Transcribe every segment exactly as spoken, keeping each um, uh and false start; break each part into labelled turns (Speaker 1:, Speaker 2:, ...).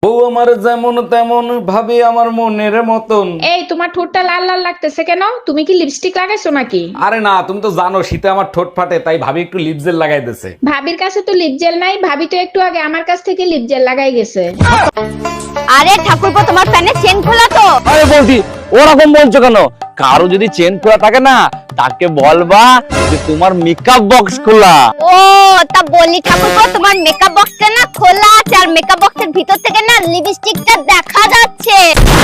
Speaker 1: ও আমার যেমন তেমন ভাবে আমার মনের মতন।
Speaker 2: এই তোমার ঠোঁটটা লাল লাল লাগতেছে কেন? তুমি কি লিপস্টিক লাগাইছো নাকি?
Speaker 1: আরে না, তুমি তো জানো শীতে আমার ঠোঁট ফাটে, তাই ভাবি একটু লিপ জেল লাগাই দিয়েছে।
Speaker 2: ভাবির কাছে তো লিপ জেল নাই, ভাবি তো একটু আগে আমার কাছ থেকে লিপ জেল লাগাই গেছে।
Speaker 3: আরে ঠাকুরপো তোমার ফ্যানের চেন খোলা তো?
Speaker 4: আরে বলছি ওরকম বলছো কেন? কারো যদি চেন খোলা থাকে না, তাকে বলবা যে তোমার মেকআপ বক্স খোলা।
Speaker 3: ও তা বলি ঠাকুরপো তোমার মেকআপ বক্সটা না খোলা আছে, আর মেকআপ বক্সের ভিতর থেকে না লিপস্টিকটা দেখা যাচ্ছে।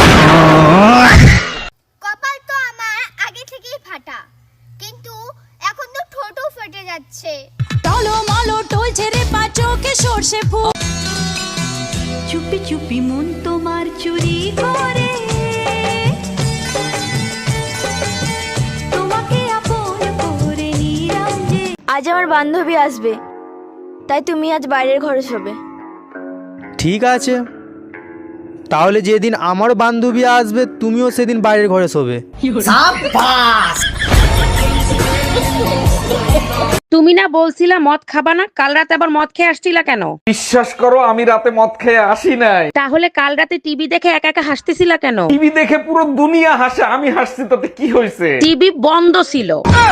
Speaker 5: কপাল তো আমার আগে থেকেই ফাটা, কিন্তু এখন তো ঠোঁটও ফেটে যাচ্ছে।
Speaker 6: টলমলো টলছে রে পাচোকে সর্ষে ফুল।
Speaker 7: চুপি চুপি মন তোমার চুরি করে, তোমাকে আপন করে নিলাম যে।
Speaker 8: আজ আমার বান্ধবী আসবে, তাই তুমি আজ বাইরের ঘরে শোবে।
Speaker 9: ঠিক আছে, তাহলে যেদিন আমার বান্ধবী আসবে তুমিও সেদিন বাইরের ঘরে শোবে।
Speaker 10: তুমি না বলছিলা মদ খাবা না? কাল রাতে আবার মদ খেয়ে আসছিলা কেন?
Speaker 1: বিশ্বাস করো আমি রাতে মদ খেয়ে আসি নাই।
Speaker 10: তাহলে কাল রাতে টিভি দেখে একা একা হাসতেছিলা কেন?
Speaker 1: টিভি দেখে পুরো দুনিয়া হাসে, আমি হাসছি তাতে কি হয়েছে?
Speaker 10: টিভি বন্ধ ছিল।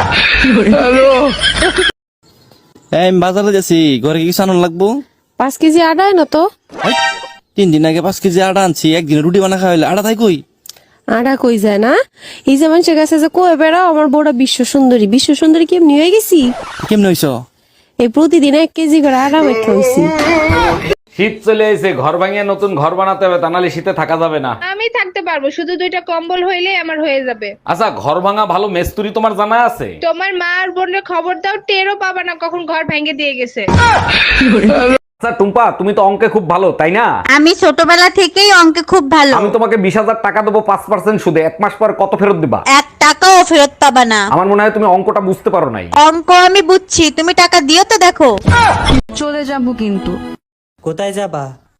Speaker 4: এই আমি বাজারে যাচ্ছি, ঘরে কিছু আনার লাগবো।
Speaker 6: পাঁচ কেজি আটা না তো?
Speaker 4: তিন দিন আগে পাঁচ কেজি আটা আনছি, একদিন রুটি বানা খাওয়াইলে আটা তাই কই?
Speaker 6: আটা কই যায় না? এই যে মানুষের কাছে যে কয়ে বেড়াও আমার বউটা বিশ্ব সুন্দরী, বিশ্ব সুন্দরী কেমনি হয়ে গেছি?
Speaker 4: কেমন হইছো?
Speaker 6: এই প্রতিদিন এক কেজি করে আটা মেখে হয়েছি।
Speaker 1: শীত চলে এসে, ঘর ভাঙিয়ে নতুন ঘর বানাতে হবে, তা নাহলে শীতে থাকা যাবে না।
Speaker 2: আমি থাকতে পারবো, শুধু দুইটা কম্বল হইলেই আমার হয়ে যাবে।
Speaker 1: আচ্ছা, ঘর ভাঙা ভালো মেস্তুরি তোমার জানা আছে?
Speaker 2: তোমার মা আর বোনের খবর দাও, টেরও পাবা না কখন ঘর ভেঙে দিয়ে গেছে।
Speaker 1: আচ্ছা টুম্পা, তুমি তো অঙ্কে খুব ভালো তাই না?
Speaker 3: আমি ছোটবেলা থেকেই অঙ্কে খুব ভালো।
Speaker 1: আমি তোমাকে বিশ হাজার টাকা দেবো পাঁচ পার্সেন্ট সুদে, এক মাস পর কত ফেরত দিবা?
Speaker 3: এক টাকাও ফেরত পাবা না।
Speaker 1: আমার মনে হয় তুমি অঙ্কটা বুঝতে পারো নাই।
Speaker 3: অঙ্ক আমি বুঝছি, তুমি টাকা দিও তো দেখো।
Speaker 7: চলে যাবো কিন্তু।
Speaker 9: কোথায় যাবা?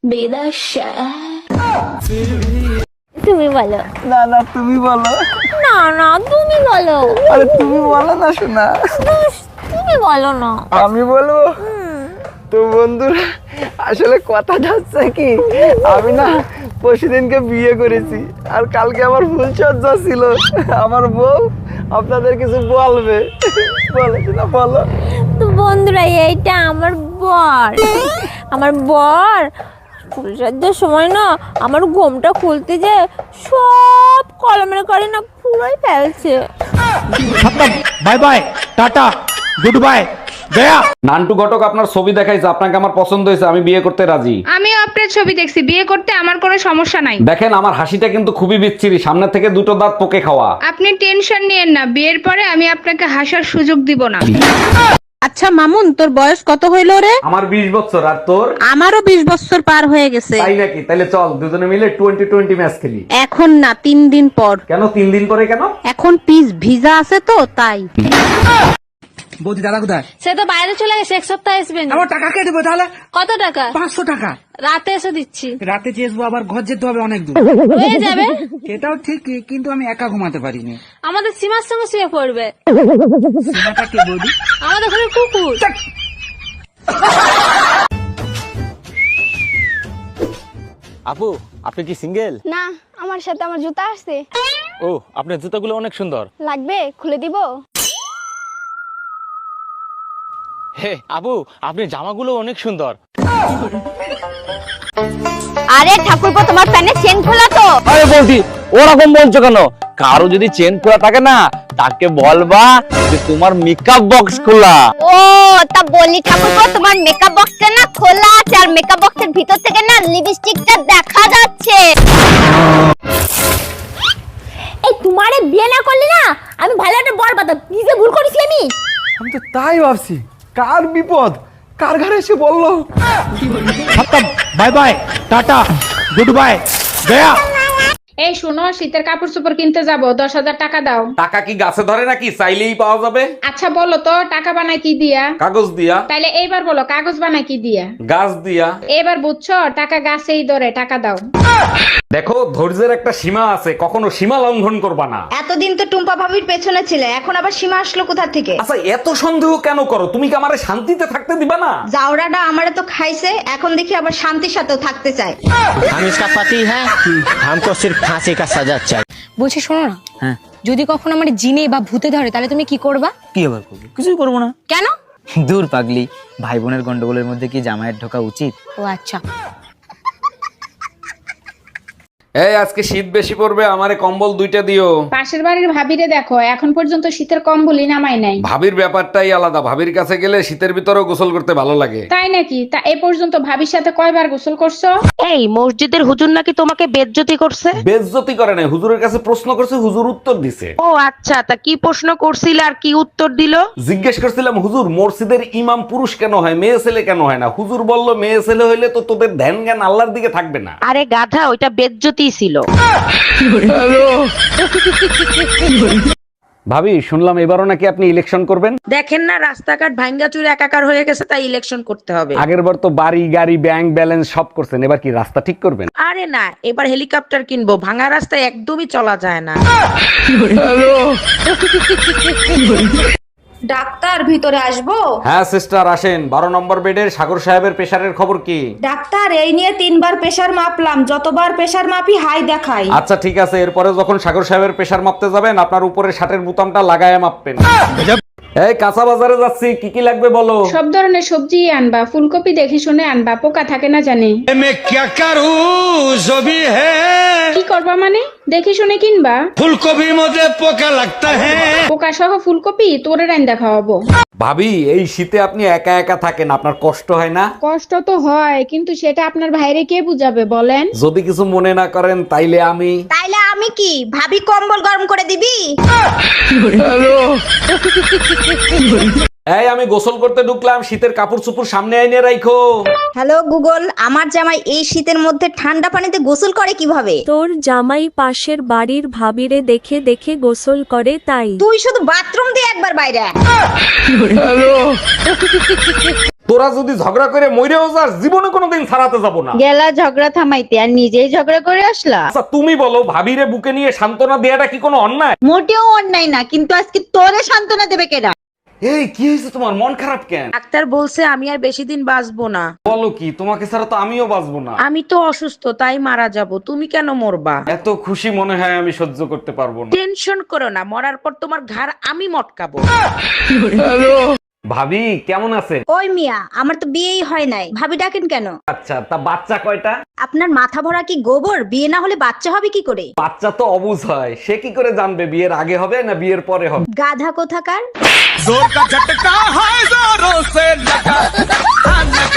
Speaker 3: তুমি বলো।
Speaker 9: না না তুমি বলো।
Speaker 3: না না তুমি বলো।
Speaker 9: আরে তুমি বলো না শোনা।
Speaker 3: তুমি বলো না।
Speaker 9: আমি বলবো? তো বন্ধুরা, আসলে কথাটা হচ্ছে কি, আমি না পরশুদিনকে বিয়ে করেছি, আর কালকে আমার ফুলসজ্জা ছিল। আমার বউ আপনাদের কিছু বলবে, বলো না বলো।
Speaker 3: তো বন্ধুরা, এইটা আমার বর। আমার বর ফুলসজ্জার সময় না আমার ঘোমটা খুলতে যে সব কলমের করে না পুরোই ফেলছে।
Speaker 9: Bye bye, tata, good bye, গয়া।
Speaker 1: নান্টু ঘটক আপনার ছবি দেখাইছে, আপনাকে আমার পছন্দ হয়েছে, আমি বিয়ে করতে রাজি।
Speaker 2: আমি আপনার ছবি দেখছি, বিয়ে করতে আমার কোনো সমস্যা নাই।
Speaker 1: দেখেন আমার হাসিটা কিন্তু খুবই বিচ্ছিরি, সামনে থেকে দুটো দাঁত পোকে খাওয়া।
Speaker 2: আপনি টেনশন নিয়েন না, বিয়ের পরে আমি আপনাকে হাসার সুযোগ দিব না।
Speaker 10: আচ্ছা মামুন, তোর বয়স কত হইল রে?
Speaker 1: আমার বিশ বছর, আর তোর?
Speaker 10: আমারও বিশ বছর পার হয়ে গেছে।
Speaker 1: তাই নাকি? তাহলে চল দুজনে মিলে টোয়েন্টি টোয়েন্টি ম্যাচ খেলি।
Speaker 10: এখন না, তিন দিন পর।
Speaker 1: কেন তিন দিন পরে কেন?
Speaker 10: এখন পিস ভিজা আছে তো তাই।
Speaker 9: বৌদি দাদা কোথায়?
Speaker 8: সে তো বাইরে চলে গেছে, এক সপ্তাহ আসবে না।
Speaker 9: আমার টাকা কে দেবো তাহলে?
Speaker 8: কত টাকা?
Speaker 9: পাঁচশো টাকা।
Speaker 8: রাতে এসে দিচ্ছি।
Speaker 9: রাতে চেয়েছবো, আবার ঘর যেতে হবে অনেক দূর।
Speaker 8: হয়ে যাবে।
Speaker 9: এটাও ঠিক, কিন্তু আমি একা ঘুমাতে পারিনি।
Speaker 8: আমাদের সীমার সঙ্গে শুয়ে পড়বে।
Speaker 9: সীমাটা কে বৌদি?
Speaker 8: আমাদের ঘরে কুকুর।
Speaker 4: আপু, আপনি কি সিঙ্গেল?
Speaker 5: না, আমার সাথে আমার জুতা আসছে।
Speaker 4: ও, আপনার জুতাগুলো অনেক সুন্দর।
Speaker 5: লাগবে? খুলে দিব?
Speaker 4: হে আপু, আপনার জামাগুলো অনেক সুন্দর।
Speaker 3: আরে ঠাকুরপো তোমার ফ্যানের চেন খোলা তো?
Speaker 4: আরে বলছি ওরকম বলছো কেন? কারো যদি চেন খোলা থাকে না, তাকে বলবা যে তোমার মেকআপ বক্স খোলা।
Speaker 3: ও তা বলি ঠাকুরপো তোমার মেকআপ বক্সটা না খোলা আছে, আর মেকআপ বক্সের ভিতর থেকে না লিপস্টিকটা দেখা যাচ্ছে। এই তোমারে বিয়ে না করলে না আমি ভালো একটা বর পাতাম। কি যে ভুল করেছি আমি।
Speaker 9: আমি তো তাই ভাবছি, কার বিপদ কার ঘরে এসে বললো। Bye bye, tata, good bye, গয়া।
Speaker 2: এই শোনো, শীতের কাপড় চোপড় কিনতে যাবো, দশ হাজার টাকা দাও।
Speaker 1: টাকা কি গাছে ধরে নাকি? চাইলেই পাওয়া যাবে।
Speaker 2: আচ্ছা বলো তো, টাকা বানায় কি দিয়া?
Speaker 1: কাগজ দিয়া।
Speaker 2: তাইলে এইবার বলো, কাগজ বানায় কি দিয়া?
Speaker 1: গাছ দিয়া।
Speaker 2: এবার বুঝছো, টাকা গাছেই ধরে, টাকা দাও।
Speaker 1: দেখো ধৈর্যের একটা সীমা আছে, কখনো সীমা লঙ্ঘন করবা না।
Speaker 8: এতদিন তো টুম্পা ভাবির পেছনে ছিলে, এখন আবার সীমা আসলো কোথা থেকে?
Speaker 1: আচ্ছা এত সন্দেহ কেন করো? তুমি কি আমারে শান্তিতে থাকতে দিবা না?
Speaker 8: জাউরাটা আমারে তো খাইছে, এখন দেখি আবার শান্তির সাথেও থাকতে চায়।
Speaker 9: हम इसका पति है, हमको सिर्फ फांसी का सजा चाहिए।
Speaker 10: বলছি শোনো না,
Speaker 9: হ্যাঁ
Speaker 10: যদি কখনো আমার জিনে বা ভূতে ধরে তাহলে তুমি কি করবা?
Speaker 9: কি আবার করবো? কিছুই করবো না।
Speaker 10: কেন?
Speaker 9: দূর পাগলি, ভাই বোনের গন্ডগোলের মধ্যে কি জামাইয়ের ঢোকা উচিত?
Speaker 10: ও আচ্ছা।
Speaker 1: এই আজকে শীত বেশি পড়বে, আমারে কম্বল দুইটা দিও।
Speaker 2: পাশের বাড়ির ভাবিরে দেখো, এখন পর্যন্ত শীতের কম্বলই নামাই নাই।
Speaker 1: ভাবির ব্যাপারটাই আলাদা, ভাবির কাছে গেলে শীতের ভিতরেও গোসল করতে ভালো লাগে।
Speaker 2: তাই নাকি? তা এ পর্যন্ত ভাবির সাথে কয়বার গোসল করছো?
Speaker 10: এই মসজিদের হুজুর নাকি তোমাকে বেজ্জতি করছে?
Speaker 1: বেজ্জতি করে নাই, হুজুরের কাছে প্রশ্ন করছে, হুজুর উত্তর দিছে।
Speaker 10: ও আচ্ছা, তা কি প্রশ্ন করছিল আর কি উত্তর দিল?
Speaker 1: জিজ্ঞেস করছিলাম, হুজুর মসজিদের ইমাম পুরুষ কেন হয়, মেয়ে ছেলে কেন হয় না? হুজুর বলল, মেয়ে ছেলে হইলে তো তোদের ধ্যান জ্ঞান আল্লাহর দিকে থাকবে না।
Speaker 10: আরে গাধা, ওইটা বেজ্জতি ছিল।
Speaker 1: ভাবি শুনলাম এবারও নাকি আপনি ইলেকশন করবেন।
Speaker 10: দেখেন না রাস্তাঘাট ভাঙ্গাচুর একাকার হয়ে গেছে, তাই ইলেকশন করতে হবে।
Speaker 1: আগের বার তো বাড়ি গাড়ি ব্যাংক ব্যালেন্স সব করছেন, এবার কি রাস্তা ঠিক করবেন?
Speaker 10: আরে না, এবার হেলিকপ্টার কিনবো, ভাঙা রাস্তায় একদমই চলা যায় না।
Speaker 8: ডাক্তার ভিতরে আসবো?
Speaker 1: হ্যাঁ সিস্টার আসেন। বারো নম্বর বেডের সাগর সাহেবের প্রেশারের খবর কি?
Speaker 8: ডাক্তার, এই নিয়ে তিনবার প্রেসার মাপলাম, যতবার প্রেসার মাপি হাই দেখাই।
Speaker 1: আচ্ছা ঠিক আছে, এরপরে যখন সাগর সাহেবের প্রেশার মাপতে যাবেন, আপনার উপরে শার্টের বোতামটা লাগায় মাপবেন। এই কাঁচা বাজারে যাচ্ছি, কি কি লাগবে বলো।
Speaker 2: সব ধরনের সবজি আনবা, ফুলকপি দেখে শুনে আনবা, পোকা থাকে না জানি। কি করবা মানে? দেখে শুনে কিনবা।
Speaker 9: ফুলকপির মধ্যে পোকা লাগতা হ্যাঁ।
Speaker 2: পোকা সহ ফুলকপি তোরে রাইন্দা খাওয়াবো।
Speaker 1: ভাবি এই শীতে আপনি একা একা থাকেন, আপনার কষ্ট হয় না?
Speaker 2: কষ্ট তো হয়, কিন্তু সেটা আপনার ভাইরে কে বুঝাবে বলেন?
Speaker 1: যদি কিছু মনে না করেন তাইলে আমি
Speaker 8: তাইলে আমি কি ভাবি কম্বল গরম করে দিবি?
Speaker 1: এই আমি গোসল করতে ঢুকলাম, শীতের কাপড় চোপড় সামনে আইনে রাখো।
Speaker 8: হ্যালো গুগল, আমার জামাই এই শীতের মধ্যে ঠান্ডা পানিতে গোসল করে কিভাবে?
Speaker 3: তোর জামাই পাশের বাড়ির ভাবিরে দেখে দেখে গোসল করে তাই।
Speaker 8: তুই শুধু বাথরুম দিয়ে একবার বাইরে আয়।
Speaker 1: তোরা যদি ঝগড়া করে মইরেও যাস, জীবনে কোনোদিন ছাড়াতে যাব না।
Speaker 8: গেলা ঝগড়া থামাইতে, আর নিজেই ঝগড়া করে আসলা।
Speaker 1: আচ্ছা তুমি বলো, ভাবিরে বুকে নিয়ে সান্ত্বনা দেয়াটা কি কোনো অন্যায়?
Speaker 8: মোটেও অন্যায় না, কিন্তু আজকে তোরে সান্ত্বনা দেবে কেডা?
Speaker 1: এই কি হয়েছে তোমার, মন খারাপ কেন?
Speaker 10: ডাক্তার বলছে আমি আর বেশি দিন বাঁচবো না।
Speaker 1: বলো কি, তোমাকে ছাড়া তো আমিও বাঁচবো না।
Speaker 10: আমি তো অসুস্থ, তাই মারা যাব, তুমি কেন মরবা?
Speaker 1: এত খুশি মনে হয় আমি সহ্য করতে পারবো না।
Speaker 10: টেনশন করো না, মরার পর তোমার ঘাড় আমি মটকাবো।
Speaker 1: ভাবি কেমন আছেন?
Speaker 8: ওই মিয়া, আমার তো বিয়েই হয় নাই, ভাবি ডাকেন কেন?
Speaker 1: আচ্ছা তা বাচ্চা কয়টা?
Speaker 8: আপনার মাথা ভরা কি গোবর? বিয়ে না হলে বাচ্চা হবে কি করে?
Speaker 1: বাচ্চা তো অবুঝ হয়, সে কি করে জানবে বিয়ের আগে হবে না বিয়ের পরে হবে?
Speaker 8: গাধা কোথাকার।
Speaker 9: जोर का झटका है जोरों से लगा।